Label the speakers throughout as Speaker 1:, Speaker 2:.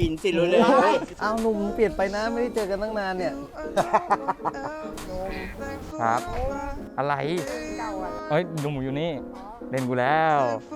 Speaker 1: กินสิรู้เลย
Speaker 2: อ้าวหนุ่มเปลี่ยนไปนะไม่ได้เจอกันตั้งนานเนี่ย
Speaker 3: ครับ อะไรเฮ้ยหนุ่มอยู่นี่เล่นกูแล้ว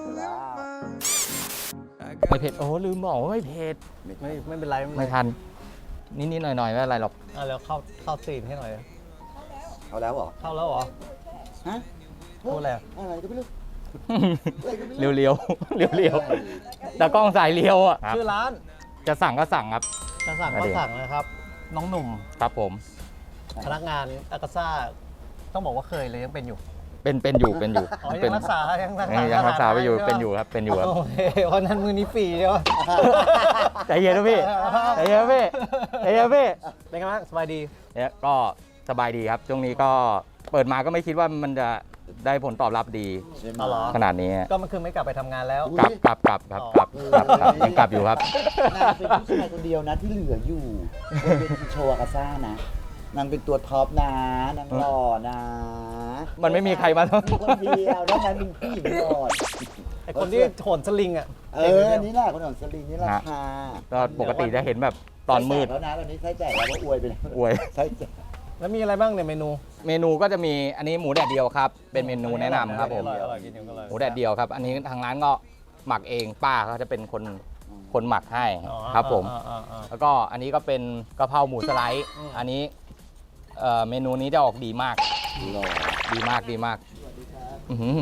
Speaker 3: ไม่เผ็ดโอ้ลืมบอกว่าไม่เผ็ด
Speaker 2: ไม่เป็นไร
Speaker 3: ไม่ทันนิดๆหน่อยๆไม่เป็นไรหรอก
Speaker 2: แล้วเข้าซีนให้หน่อย
Speaker 1: เอาแล้วเหรอ
Speaker 2: เข้าแล้วเหรอ
Speaker 1: ฮะ
Speaker 2: พูดอะไร
Speaker 1: อะไรก็ไม่รู้
Speaker 3: เรียวๆเรียวๆแต่กล้องสายเรียวอ่ะ
Speaker 2: ชื่อร้าน
Speaker 3: จะสั่งก็สั่งครับ
Speaker 2: จะสั่งก็สั่งนะครับ น้องหนุ่ม
Speaker 3: ครับผม
Speaker 2: พนักงานอากาซ่าต้องบอกว่าเคยเลยยังเป็นอยู่
Speaker 3: เป็นอยู่
Speaker 2: อ๋อ
Speaker 3: เป็
Speaker 2: ยั
Speaker 3: น
Speaker 2: งรักษายัง
Speaker 3: ยังรักษาไปอยู่เป็นอยู่ครับเป็นอยู่ครับ
Speaker 2: โอเคเพราะนั้นมือนี้ฟรีใช่ไหม
Speaker 3: ใจเย็นนะพี่ใจเย็นนะพี่ใจเย็นนะพี่
Speaker 2: เป็นไงบ้างสบายดี
Speaker 3: เนี่ยก็สบายดีครับช่วงนี้ก็เปิดมาก็ไม่คิดว่ามันจะได้ผลตอบรับดี
Speaker 1: ใช่ไหม
Speaker 2: อ๋อเหรอ
Speaker 3: ขนาดนี้
Speaker 2: ก็มันคือไม่กลับไปทำงานแล้ว
Speaker 3: กลับยังกลับอยู่ครับ
Speaker 1: นางเป็นผู้ชายคนเดียวนะที่เหลืออยู่เป็นโชว์อากาซ่านะนางเป็นตัวท็อปนะนางหล่อนะ
Speaker 3: มันไม่มีใครมา
Speaker 1: มีคนเดียวแล้วนางเป็นผู้หญิงหล่อ
Speaker 2: ไอคนที่โหนสลิงอ่ะ
Speaker 1: อันนี้แหละคนของสลิงนี่แหละค่ะ
Speaker 3: ก็ปกติจะเห็นแบบตอนมืด
Speaker 1: แล้วนะตอนนี้ไส้แจกแล้วก็อวยไปแล้ว
Speaker 3: อวย
Speaker 1: ไส้แจก
Speaker 2: แล้วมีอะไรบ้างเนี่ยเมนู
Speaker 3: เมนูก็จะมีอันนี้หมูแดดเดียวครับ เป็นเมนูแนะนำครับผม
Speaker 2: อร่อยกินอยู่ก็เลย
Speaker 3: หมูแดดเดียวครับ อันนี้ทางร้านก็หมักเองป้าเขาจะเป็นคนหมักให้
Speaker 2: อ๋อ
Speaker 3: ครับผม
Speaker 2: อ่า
Speaker 3: แล้วก็อันนี้ก็เป็นกะเพราหมูสไลด์ อันนี้เมนูนี้จะออกดีมาก
Speaker 1: หล่อ
Speaker 3: ดีมากอื้อหือ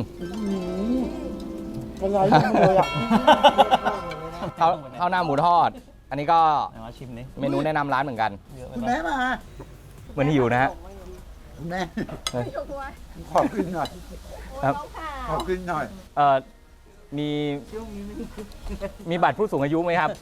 Speaker 1: อะไรเลยอ่ะ
Speaker 3: ข้าวหน้าหมูทอด อันนี้ก็
Speaker 2: ไหนมาชิมนี่
Speaker 3: เมนูแนะนำร้านเหมือนกัน
Speaker 2: เยอะไป
Speaker 1: คุณ
Speaker 2: ปะ
Speaker 1: แม่มา
Speaker 3: เหมือนหิวนะฮะ
Speaker 1: คุณแม่
Speaker 3: เฮ้ย
Speaker 1: ขอกินหน่อย
Speaker 3: ครับ
Speaker 1: ขอกินหน่อย
Speaker 3: มีมีบัตรผู้สูงอายุไหมครับ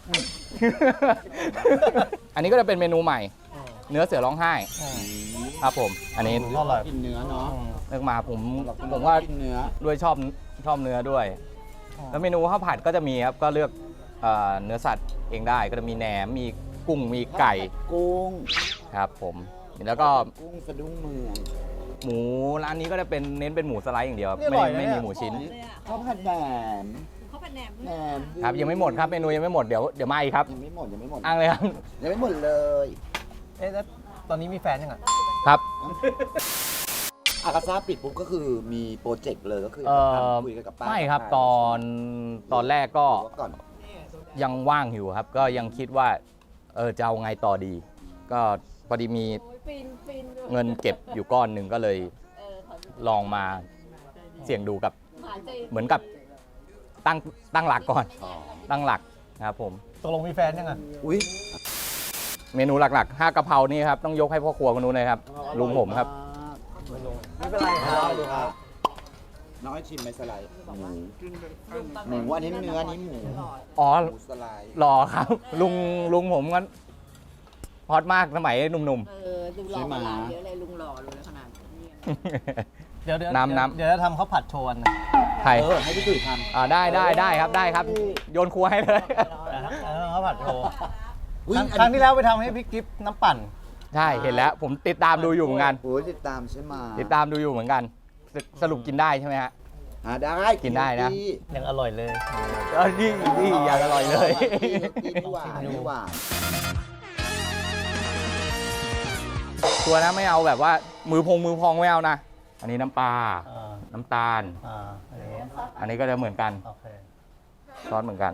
Speaker 3: อันนี้ก็จะเป็นเมนูใหม่ เนื้อเสือร้องไห้ครับผม อันนี้
Speaker 2: อร่อย
Speaker 1: กินเนื้อเนาะ
Speaker 3: เลือกมาผมว่า
Speaker 1: กินเนื้อ
Speaker 3: ด้วยชอบเนื้อด้วย แล้วเมนูข้าวผัดก็จะมีครับก็เลือกเนื้อสัตว์เองได้ก็จะมีแหนมมีกุ้งมีไก่
Speaker 1: กุ้ง
Speaker 3: ครับผมแล้วก็
Speaker 1: กุ้งสะดุ้งเมือง
Speaker 3: หมูร้านนี้ก็จะเป็นเน้นเป็นหมูสไลด์อย่างเดียวครับ
Speaker 2: นี่อร่อยนะ
Speaker 3: ไม่
Speaker 2: เนี่
Speaker 3: มี
Speaker 2: ย
Speaker 3: หมูชิ้น
Speaker 1: ข้าวผัดแหนม
Speaker 4: เขาเป็นแหนม
Speaker 1: แหนม
Speaker 3: ครับยังไม่หมดครับเมนูยังไม่หมดเดี๋ยวมาอีกครับ
Speaker 1: ยังไม่หมดยังไม่หมด
Speaker 3: อ้างเลยครับ
Speaker 1: ยังไม่หมดเลย
Speaker 2: เอ๊ะแล้วตอนนี้มีแฟนยังอ่ะ
Speaker 3: ครับ
Speaker 1: อากาซ่าปิดปุ๊บก็คือมีโปรเจกต์เลยก็คือ คุยกันกับป้า
Speaker 3: ไม่ครับตอนแรกก็
Speaker 1: ก่อน
Speaker 3: ยังว่างอยู่ครับ ก็ยังคิดว่าจะเอาไงต่อดี ก็พอดีมี
Speaker 4: ฟินฟิน
Speaker 3: เงินเก็บอยู่ก้อนหนึ่งก็เลยลองมาเสี่ยงดูกับ
Speaker 4: หายใจ
Speaker 3: เหมือนกับตั้งหลักก่อนตั้งหลักครับผม
Speaker 2: ตกลงมีแฟนยังอ่ะ
Speaker 1: อุ้ย
Speaker 3: เมนูหลักๆ5กะเพรานี่ครับต้องยกให้พ่อครัวคนนู้นเลยครับลุงผมครับ
Speaker 2: ไม่เป็นไรครับ
Speaker 1: ดูครับน้องให้ชิมไหมสไลด์หมูอันนี้เนื้ออันนี้หมู
Speaker 3: อ๋อ
Speaker 1: หมูสไลด์
Speaker 3: หล่อครับ ลุงผมก็ฮอตมากสมัยหนุ่ม
Speaker 4: ดูหล่อมาหลายเยอะเลยลุงหล่อเลยขนาดนี้
Speaker 3: ๆ
Speaker 2: เดี๋ยว
Speaker 3: น้ำ
Speaker 2: เดี๋ยวจะทำข้าวผัดโชว์อันนะ
Speaker 3: ไทย
Speaker 1: ให้พี่ตุ๋ยทำ
Speaker 3: ได้ครับ โยนครัวให้เลย
Speaker 2: ข้าวผัดโชว์
Speaker 1: อุ๊ย
Speaker 2: ครั้งที่แล้วไปทำให้พี่กิฟต์น้ำปั่น
Speaker 3: ใช่เห็นแล้ว ผมติดตามดูอยู่เหมือนกัน
Speaker 1: โอ้ยติดตามใช่ไหม
Speaker 3: ติดตามดูอยู่เหมือนกัน สรุปกินได้ใช่ไหมฮะ
Speaker 1: ได้
Speaker 3: กินได้นะ
Speaker 2: ยังอร่อยเลย
Speaker 3: นี่อยากอร่อยเลย
Speaker 1: นี่หวานนี่หวาน
Speaker 3: ตัวนะไม่เอาแบบว่ามือพองไม่เอานะ อันนี้น้ำปลา น้ำตาล อันนี้ก็จะเหมือนกัน
Speaker 2: โอเค
Speaker 3: ซอสเหมือนกัน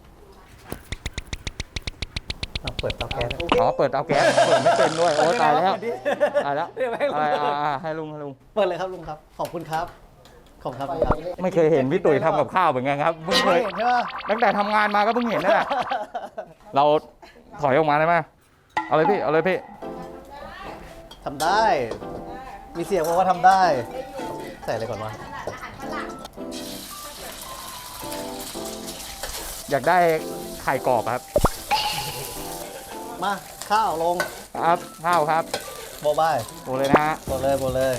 Speaker 2: เราเปิดเตาแก๊ส
Speaker 3: อ๋อเปิดเตาแก๊สเปิดไม่เป็นด้วยโอ้ตายแล้วตายแล้ว
Speaker 2: เดี๋ยวให้ลุง
Speaker 3: ให้ลุง
Speaker 2: เปิดเลยครับลุงครับ ขอบคุณครับ ขอบคุณครับ
Speaker 3: ไม่เคยเห็นพี่ตุ๋ยทำกับข้าวเหมือนกันครับเพิ่งเคย
Speaker 2: เห็นใช่ไหม
Speaker 3: ตั้งแต่ทำงานมาก็เพิ่งเห็นนั่นแหละเราถอยออกมาได้ไหมเอาเลยพี่
Speaker 2: ทำได้ มีเสียงบอกว่าทำได้ ใส่อะไรก่อนวะ
Speaker 3: อยากได้ไข่กรอบครับ
Speaker 2: มาข้าวลง
Speaker 3: ครับข้าวครับ
Speaker 2: โบบาย
Speaker 3: โอ้เลยนะฮะ
Speaker 2: โบเลย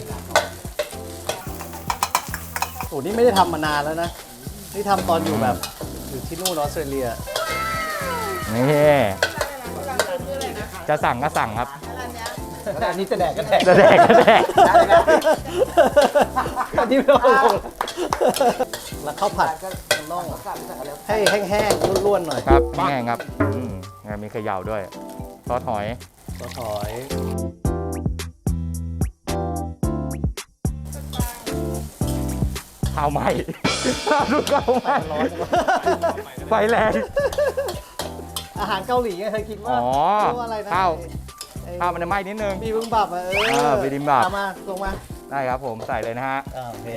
Speaker 2: โอ้นี่ไม่ได้ทำมานานแล้วนะ นี่ทำตอนอยู่แบบอยู่ที่นู่นออสเตรเลีย
Speaker 3: นี่จะสั่งก็สั่งครับ
Speaker 2: อันนี้จะแดกก็แดก
Speaker 3: จะแดกก็แดก
Speaker 2: อันนี้ไม่ต้องลงแล้วข้าวผัดต้องให้แห้งๆร่วนๆหน่อย
Speaker 3: ครับแห้งครับมีเขย่าด้วยซอสหอย
Speaker 2: ซอสหอย
Speaker 3: ข้าวไหม้ ดูข้าวไหม้
Speaker 2: ร้อนจังวะ
Speaker 3: ไฟแรง
Speaker 2: อาหารเกาหลีไงเคยกินว่า
Speaker 3: อ๋อ
Speaker 2: เรียกว่าอะไรนะ
Speaker 3: ข้าว
Speaker 2: ไอ้
Speaker 3: ข้าวมันจะไหม้นิดนึง
Speaker 2: บีบิมบับอ่ะ
Speaker 3: บิบิมบับ
Speaker 2: เอามาลงมา
Speaker 3: ได้ครับผมใส่เลยนะฮะ
Speaker 2: โอเค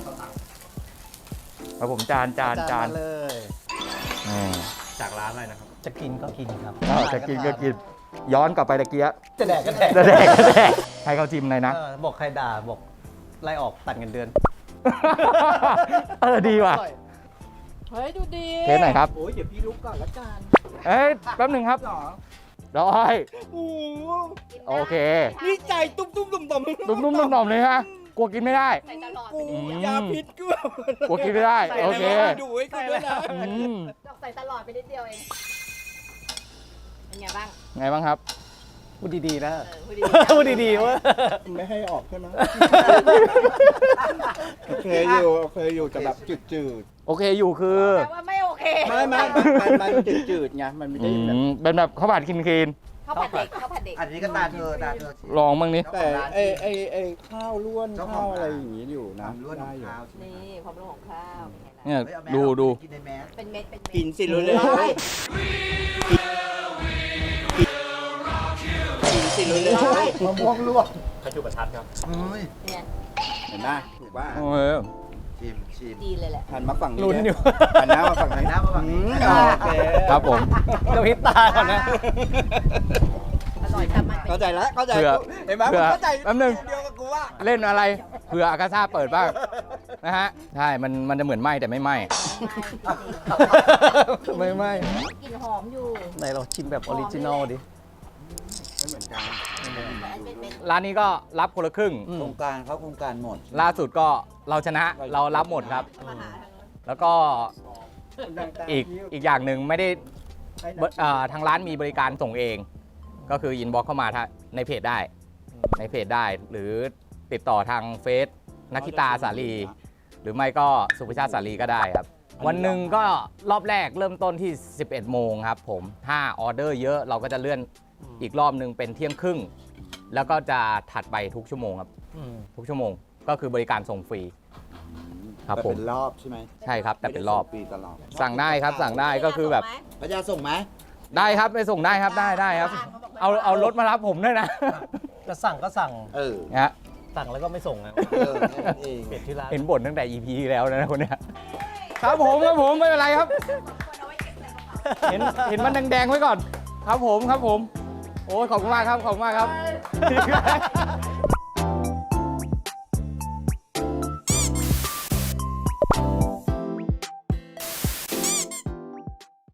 Speaker 3: แล้วผมจาน
Speaker 2: มาเลย
Speaker 3: อืม
Speaker 5: จากร้านอะไรนะครับ
Speaker 2: จะกินก็กินครับ
Speaker 3: จะกินก็กิน ย้อนกลับไปตะเกีย
Speaker 2: จะแดกก็แดก
Speaker 3: จะแดกก็แดกให้เขาจิ้มเลยนะ
Speaker 2: บอกใครด่าบอกไล่ออกตัดเงินเดือน
Speaker 3: ดีว่ะ
Speaker 4: เฮ้ย ดูดี
Speaker 3: เทสหน่อยครับ
Speaker 5: โอ้ยเดี๋ยวพี่ลุกก่อนละกัน
Speaker 3: เอ้ยแป๊บหนึ่งครับได้
Speaker 5: โอ้
Speaker 3: โอเค
Speaker 5: นี่ใจตุ้มตุ้มตุ่มตุ่ม
Speaker 3: นุ่มๆหน่อมๆเลยฮะกลัวกินไม่ได้
Speaker 4: ใส่ตลอด
Speaker 5: กู
Speaker 3: อืม
Speaker 5: ยาพิษกู
Speaker 3: กลัวกินไม่ได้ โอเค
Speaker 5: ดูให้กูด้วยนะ
Speaker 3: อืม
Speaker 4: ใส่ตลอดไปนิดเดียวเอง เป็นไงบ้าง
Speaker 3: ไงบ้างครับ
Speaker 2: พูดดีๆนะ
Speaker 4: พูดดี
Speaker 2: พูดดีๆว่า
Speaker 5: ไม่ให้ออกใช่ไหมโอเคอยู่แต่แบบจืด
Speaker 3: โอเคอยู่คือ
Speaker 4: แต่ว่าไม่โอเค
Speaker 5: ๆไม่มันจืดๆไงมันไม่ได้แบบ
Speaker 3: เป็นแบบข้าวผัดคิน
Speaker 4: ข้าวผัดเด็กข้าวผัดเด็ก
Speaker 1: อันนี้ก็ตาเธอ
Speaker 3: ลองบ้างนี่
Speaker 5: แต่ไอข้าวล้วนข้าวอะไรอย่างงี้อยู่นะ
Speaker 1: ล้วนข
Speaker 5: ได้
Speaker 1: อง
Speaker 5: อยู่
Speaker 1: ข้าว
Speaker 4: นี่ความรู้ของข้าวเป็นไงล่ะ
Speaker 3: เนี่ย
Speaker 1: เฮ้ยเอาแมส
Speaker 3: ดู
Speaker 1: ออกไปกินในแมส
Speaker 4: เป็นเม็ด เป็นเม็ด
Speaker 5: กินสิรู้เลยกินสิรู้เลย
Speaker 1: มะม่วงลวก
Speaker 5: ขจุประทัดครับ
Speaker 1: เฮ้ย
Speaker 4: เนี่ย
Speaker 5: เห็นไหมถูกป่ะ
Speaker 3: โอเค
Speaker 1: ชิม
Speaker 4: ดีเลยแหละ
Speaker 5: หันมาฝั่งนี้
Speaker 2: ลุ้นอยู่
Speaker 5: หันหน้ามาฝั่งนี้
Speaker 1: หน้ามาฝั่งนี้
Speaker 5: โอเค
Speaker 3: ครับผม
Speaker 2: กระพริบตาก่อนนะ
Speaker 4: อร่อยทำมันเป็น
Speaker 5: เข้าใจแล้วเข้าใจ
Speaker 3: เผื่อ
Speaker 5: เห็นไหม
Speaker 3: เผื่อ
Speaker 5: เข้าใจ
Speaker 3: แป๊บนึง
Speaker 5: เดียวกับกูว่า
Speaker 3: เล่นอะไรเผื่ออากาซ่าเปิดบ้างนะฮะ ใช่ มันจะเหมือนไหมแต่ไม่ไหม ไม่ไหม
Speaker 4: กลิ่นหอมอยู่
Speaker 2: ไหนเราชิมแบบออริจินอลดิ
Speaker 5: ไม่เหมือนกัน
Speaker 4: แต่อันเป็น
Speaker 3: ร้านนี้ก็รับคนละครึ่ง
Speaker 1: โครงการเขาโครงการหมด
Speaker 3: ล่าสุดก็เราชนะเรารับหมดครับ
Speaker 4: มาหาทางนู้น
Speaker 3: แล้วก็อีกอย่างหนึ่งไม่ได้ทางร้านมีบริการส่งเอง ก็คืออินบ็อกเข้ามาในเพจได้ ในเพจได้ หรือติดต่อทางเฟซนักกิตาสาลีหรือไม่ก็สุภชาติสาลีก็ได้ครับ วันหนึ่งก็รอบแรกเริ่มต้นที่ 11 โมงครับผมถ้าออเดอร์เยอะเราก็จะเลื่อนอีกรอบหนึ่งเป็นเที่ยงครึ่ง แล้วก็จะถัดไปทุกชั่วโมงครับ ทุกชั่วโมงก็คือบริการส่งฟรี ครับ
Speaker 1: แต่
Speaker 3: ผม
Speaker 1: เป็นรอบใช่ไหม
Speaker 3: ใช่ครับแต่เป็นรอบ
Speaker 1: ปีตลอด
Speaker 3: สั่งได้ครับสั่งได้ก็คือแบบ
Speaker 1: พระยาส่งไหม
Speaker 3: ได้ครับไปส่งได้ครับได้ครับ เอารถมารับผมด้วยนะ
Speaker 2: จะสั่งก็สั่ง
Speaker 1: เออ
Speaker 3: นะฮะ
Speaker 2: สั่งแล้วก็ไม่ส่งนะ
Speaker 1: แค่นั้นเอง
Speaker 2: เปลี่ยนที่ร้าน
Speaker 3: เห็นบ่นตั้งแต่ EP ที่แล้วนะคนเนี้ยครับผมไม่เป็นไรครับ เห็นมันแดงๆไว้ก่อน ครับผม โอ้ยขอบคุณมากครับ